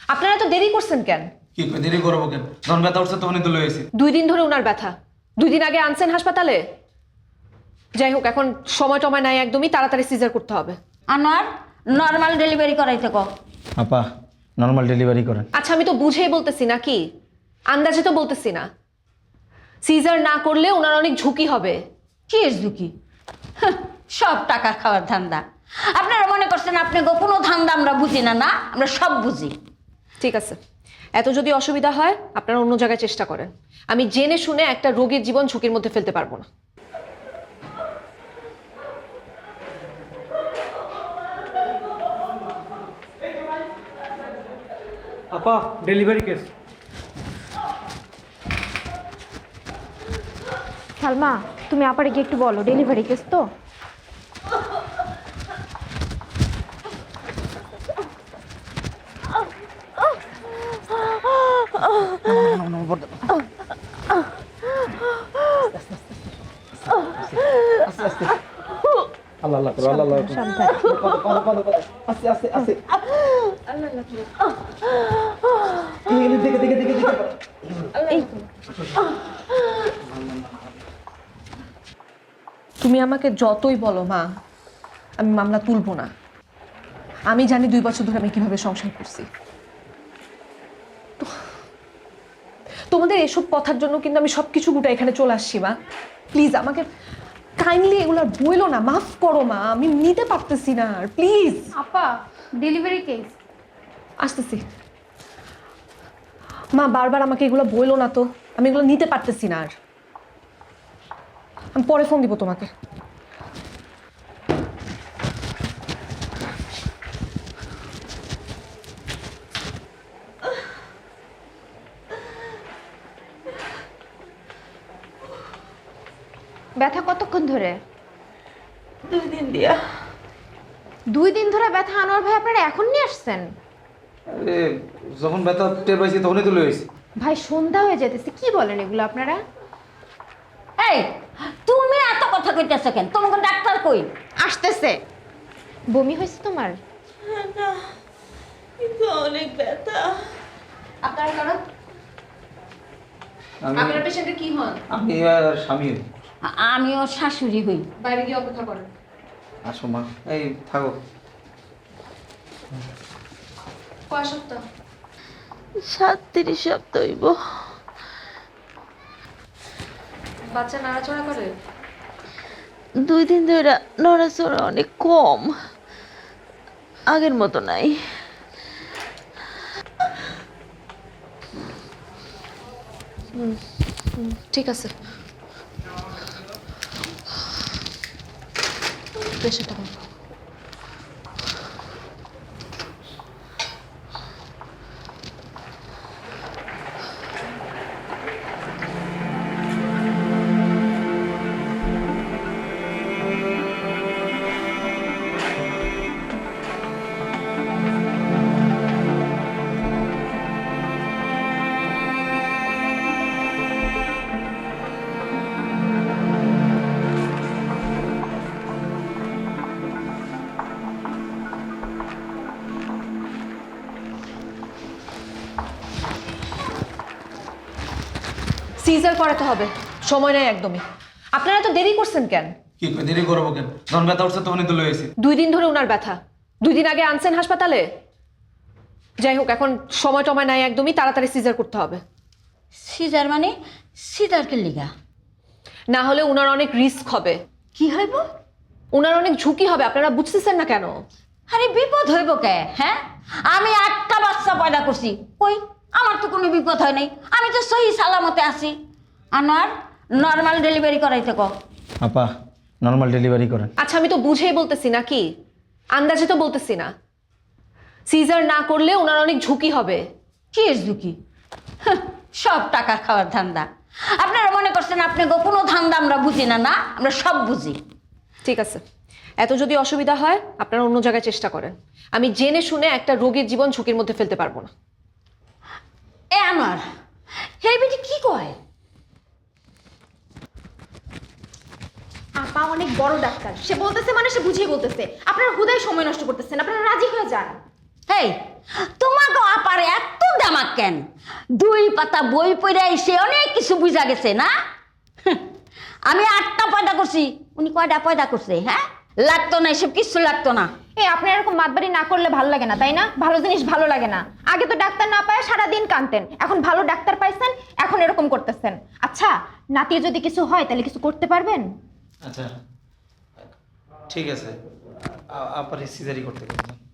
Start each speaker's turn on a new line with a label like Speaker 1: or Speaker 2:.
Speaker 1: আপনারা তো দেরি করছেন কেন?
Speaker 2: কি করে দেরি করবো কেন? যখন ব্যথা উঠছে তখনই তো লয়েছি।
Speaker 1: 2 দিন ধরে ওনার ব্যথা, 2 দিন আগে আনছেন হাসপাতালে। যাই হোক, এখন সময় টময় নাই, একদমই তাড়াতাড়ি সিজার করতে হবে।
Speaker 3: আনোয়ার নর্মাল ডেলিভারি করাইতে কো।
Speaker 2: আপা নর্মাল ডেলিভারি করেন।
Speaker 1: আচ্ছা, আমি তো বুঝেই বলতেছি নাকি, আন্দাজে তো বলতেছি না। সিজার না করলে ওনার অনেক ঝুঁকি হবে।
Speaker 3: কি এর ঝুঁকি? সব টাকা খাওয়ার ধান্দা। আপনারা মনে করছেন আপনি কোনো ধান্দা আমরা বুঝি না? না, আমরা সব বুঝি।
Speaker 1: ঠিক আছে, এত যদি অসুবিধা হয় আপনারা অন্য জায়গায় চেষ্টা করেন। আমি জেনে শুনে একটা রোগীর জীবন ঝুঁকির মধ্যে ফেলতে পারবো না।
Speaker 4: আপা ডেলিভারি কেস।
Speaker 5: সালমা, তুমি আপারে গিয়ে একটু বলো ডেলিভারি কেস তো।
Speaker 2: আল্লাহ আল্লাহ করো, আল্লাহ আল্লাহ করো।
Speaker 5: সাবধান।
Speaker 2: আস্তে আস্তে আস্তে। দেখে দেখে দেখে দেখে।
Speaker 5: এই
Speaker 1: তুমি আমাকে যতই বলো মা, আমি মামলা তুলবো না। আমি জানি 2 বছর ধরে আমি কিভাবে সংসার করছি। তোমাদের এসব কথার জন্য কিন্তু আমি সবকিছু গোটা এখানে চলে আসছি মা। প্লিজ আমাকে কাইন্ডলি এগুলো বইলো না, মাফ করো মা, আমি নিতে পারতেছি না আর, প্লিজ।
Speaker 5: আপা ডেলিভারি কেস।
Speaker 1: আসতেছি মা, বারবার আমাকে এগুলো বইলো না তো, আমি এগুলো নিতে পারতেছি না আর। আমি পরে ফোন দিব তোমাকে।
Speaker 5: ব্যথা কতক্ষণ ধরে?
Speaker 3: 2 দিন দিয়া।
Speaker 5: 2 দিন ধরে ব্যথা। আনোয়ার ভাই আপনারা এখন নিয়ে আসছেন?
Speaker 2: আরে যখন ব্যথা টের পাইছি তখনই তো লয়েছি।
Speaker 5: ভাই সন্ধ্যা হয়ে যেতেছে, কি বলেন এগুলো আপনারা?
Speaker 3: এই তুমি এত কথা কইতেছো কেন? তোমাকে ডাক্তার কই?
Speaker 5: আসতেছে। বমি হয়েছে তোমার?
Speaker 3: না, কিন্তু অনেক ব্যথা।
Speaker 1: আপনারা কারা? আপনার পেশেন্টের কি হন?
Speaker 2: আমি আর স্বামী।
Speaker 3: আমিও শাশুড়ি হই।
Speaker 1: বাইরে গিয়ে অপেক্ষা করেন।
Speaker 2: আসো মা, এই থাকো।
Speaker 1: কয় সপ্তাহ?
Speaker 3: 37 সপ্তাহ হইব।
Speaker 1: বাচ্চা নাড়াচড়া করে?
Speaker 3: 2 দিন ধরে নড়াচড়া অনেক কম, আগের মতো নাই।
Speaker 1: ঠিক আছে, প্রেশারটা কম। সিজার করাতে হবে, সময় নেই একদমই। আপনারা তো দেরি করছেন কেন?
Speaker 2: কি করে দেরি করবো কেন? যখন ব্যথা উঠছে তখনই তো লয়েছি।
Speaker 1: 2 দিন ধরে ওনার ব্যথা, 2 দিন আগে আনছেন হাসপাতালে। যাই হোক, এখন সময় টময় নাই, একদমই তাড়াতাড়ি সিজার করতে হবে।
Speaker 3: সিজার মানে? সিজার কে লিগা?
Speaker 1: না হলে ওনার অনেক রিস্ক হবে,
Speaker 3: কি হইব?
Speaker 1: ওনার অনেক ঝুঁকি হবে। আপনারা বুঝতেছেন না কেন?
Speaker 3: আরে বিপদ হইব কে? হ্যাঁ, আমি 8টা বাচ্চা পয়দা করছি, কই আমার তো কোনো বিপদ হয় নাই, আমি তো সহি সালামতে আছি। আনোয়ার নর্মাল ডেলিভারি করাইতে কো।
Speaker 2: আপা নর্মাল ডেলিভারি করেন।
Speaker 1: আচ্ছা, আমি তো বুঝেই বলতেছি নাকি, আন্দাজে তো বলতেছি না। সিজার না করলে ওনার অনেক ঝুঁকি হবে।
Speaker 3: কি এর ঝুঁকি? সব টাকা খাওয়ার ধান্দা। আপনারা মনে করছেন আপনি কোনো ধান্দা আমরা বুঝি না? না, আমরা সব বুঝি।
Speaker 1: ঠিক আছে, এত যদি অসুবিধা হয় আপনারা অন্য জায়গায় চেষ্টা করেন। আমি জেনে শুনে একটা রোগীর জীবন ঝুঁকির মধ্যে ফেলতে পারবো না।
Speaker 3: এ আনোয়ার, এই বেটি কি কয়?
Speaker 5: আপা অনেক বড় ডাক্তার, সে বলতেছে মানে সে বুঝিয়ে বলতেছে। আপনারা হুদাই সময় নষ্ট করতেছেন, আপনারা রাজি হয়ে যান।
Speaker 3: এই তোমাকে আপার এত কেন 2 পাতা বই পড়ে এসে অনেক কিছু বুঝা গেছে না আমি 8টা পয়দা করছি উনি কয়টা পয়দা করছে হ্যাঁ লাগতো না এসব কিছু লাগতো না
Speaker 5: এই আপনি এরকম মাতবাড়ি না করলে ভালো লাগে না তাই না? ভালো জিনিস ভালো লাগে না। আগে তো ডাক্তার না পায় সারাদিন কাঁদতেন, এখন ভালো ডাক্তার পাইছেন, এখন এরকম করতেছেন। আচ্ছা, নাতির যদি কিছু হয় তাহলে কিছু করতে পারবেন?
Speaker 2: আচ্ছা ঠিক আছে, আপার সিজারি করতে গেলাম।